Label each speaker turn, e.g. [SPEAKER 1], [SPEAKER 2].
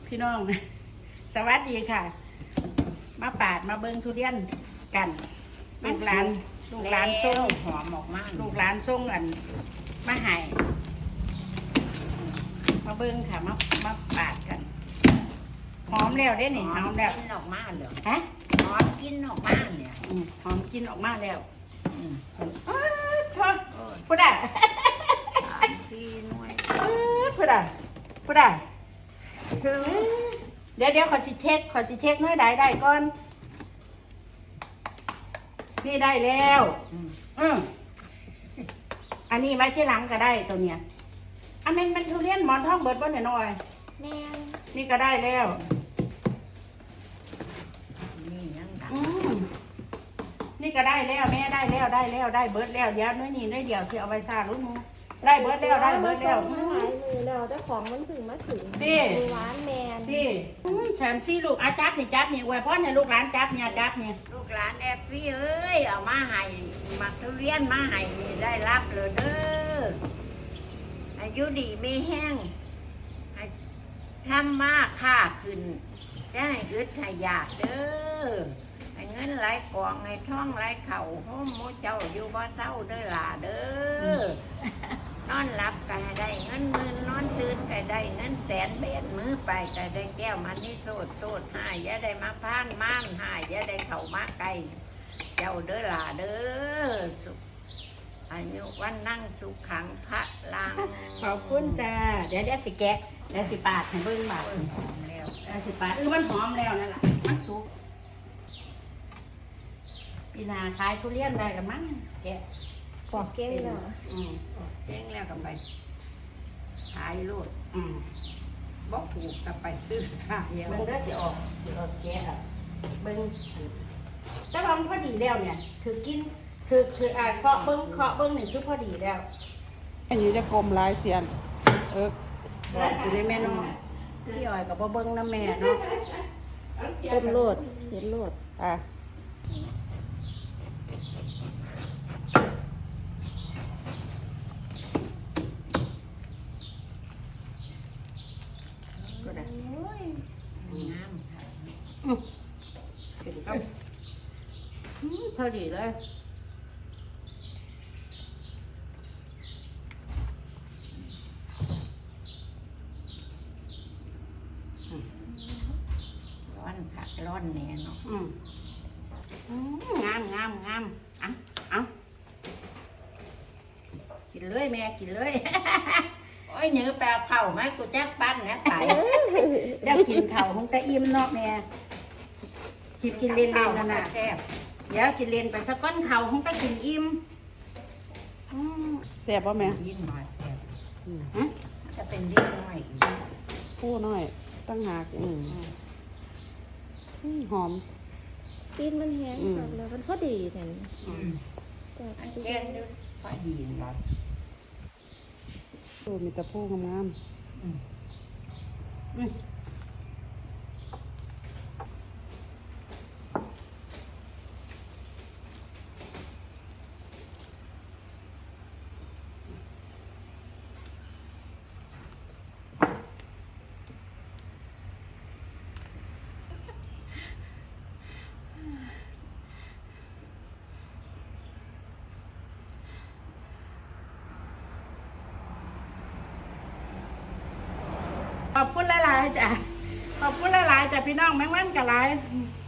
[SPEAKER 1] พี่น้องสวัสดีค่ะมาปาดมาเบิ้งทุเรียนกันลูกหลานส่ง
[SPEAKER 2] หอมออกมาก
[SPEAKER 1] ลูกหลานส่งอันมาให้มาเบิ้งค่ะมาปาดกันหอมแล้วเด้นี่หอมแล้ว
[SPEAKER 2] กินออกมาเหรอ
[SPEAKER 1] ฮะ
[SPEAKER 2] หอมกินออกมาเนี่ย
[SPEAKER 1] หอมกินออกมาแล้วพูดได้
[SPEAKER 2] 4 หน่วย
[SPEAKER 1] พูดได้เดี๋ยวขอสิเช็คน้อยได้ก่อนนี่ได้แล้วอันนี้ไว้ที่หลังก็ได้ตัวเนี้ยอันนี้มันทุเรียนหมอนทองเบิดบ่เนี่ยน้อย
[SPEAKER 2] แม่
[SPEAKER 1] นี่ก็ได้แล้ว
[SPEAKER 2] นี่ยังดัง
[SPEAKER 1] นี่ก็ได้แล้วแม่ได้แล้วได้เบิดแล้วเดี๋ยวน้อยนี่น้อยเดียวที่เอาไว้ซาลูกมูได้เบิดแล้ว
[SPEAKER 3] หลายมือแล้วเจ้าของมันถึงมาถึงร้านแมน
[SPEAKER 1] ที่แซมซี่ลูกอาจับนี่อวยพรเนี่ยลูกหลานจับเนี่ย
[SPEAKER 2] ลูกหลานแอฟฟี่เอ้ยเอามาให้มักทุเรียนมาให้นี่ได้รับเลยเด้ออายุดีไม่แห้งทำมากค่าขึ้นได้อึดให้ยากเด้อให้เงินไหลกองให้ท่องไหลเข่าห้มโมเจ้าอยู่บ่เศร้าเด้อล่ะเด้อนอนหลับก็ได้เงินหมื่นนอนตื่นก็ได้เงินแสนเบ็ดมือไปก็ได้แก้วมันนี่โสดหายอย่าได้มาพานม่านหายอย่าได้เข่ามาไกลเจ้าเด้อล่ะเด้ออายุวันนั่งสุขขังพระลัง
[SPEAKER 1] ขอบคุณจ้าเดี๋ยวสิแกะเดี๋ยวสิปาดให้เบิ่งบาด
[SPEAKER 2] หอมแล้ว
[SPEAKER 1] สิปาดมันหอมแล้วนั่นแหละมันสุกปีนาขายทุเรียนได้กันมั้งแกะ
[SPEAKER 3] ปอกเก้งเหรอ
[SPEAKER 2] เก้งแล้วกันไปขายรูดบอกถูกกันไปซื้อค่ะ
[SPEAKER 1] เดี๋ยวมันก็สิออกแกะอ่ะเบิ่งแต่ว่ามันพอดีแล้วเนี่ยคือกินคือเคาะเบิ้งหนึ่งคือพอดีแล้ว
[SPEAKER 4] อันนี้จะกลมลายเสียน
[SPEAKER 1] บอกอยู่ในแม่น้องพี่อ้อยกับเบิ้งน้ำแม่เนาะ
[SPEAKER 3] ต้นโลดเห็นโลด
[SPEAKER 2] ก็ได้งามค่ะ
[SPEAKER 1] ถึงกับพอดีเลย
[SPEAKER 2] ร้อนค่ะร้อนแน่เนาะ
[SPEAKER 1] งามเอากินเลยแม่กินเลย
[SPEAKER 2] โอ้ยเนื้อแปลเข่าไหมกูแจ๊กปั้นนะไก่
[SPEAKER 1] เจ้ากินเข่าคงจะอิ่มเนาะแม่กินเล่นๆนั่นน่ะเดี๋ยวกินเล่นไปสักก้อนเข่าคงจะกินอิ่ม
[SPEAKER 4] แซ่บป่ะแม่
[SPEAKER 2] ยิ่งหน่อยแซ่บจะเป็นยิ่งน้อย
[SPEAKER 4] ผู้น้อยตั้งหากหอม
[SPEAKER 3] กินมันแห้งแล้วมันพอดีแทน
[SPEAKER 2] อันแก่ด้วยพอดีหน่อย
[SPEAKER 4] มีแต่ผู้งาม
[SPEAKER 1] ขอบคุณหลายๆจ้ะขอบคุณหลายๆจ้ะพี่น้องแมงวันกับหลาย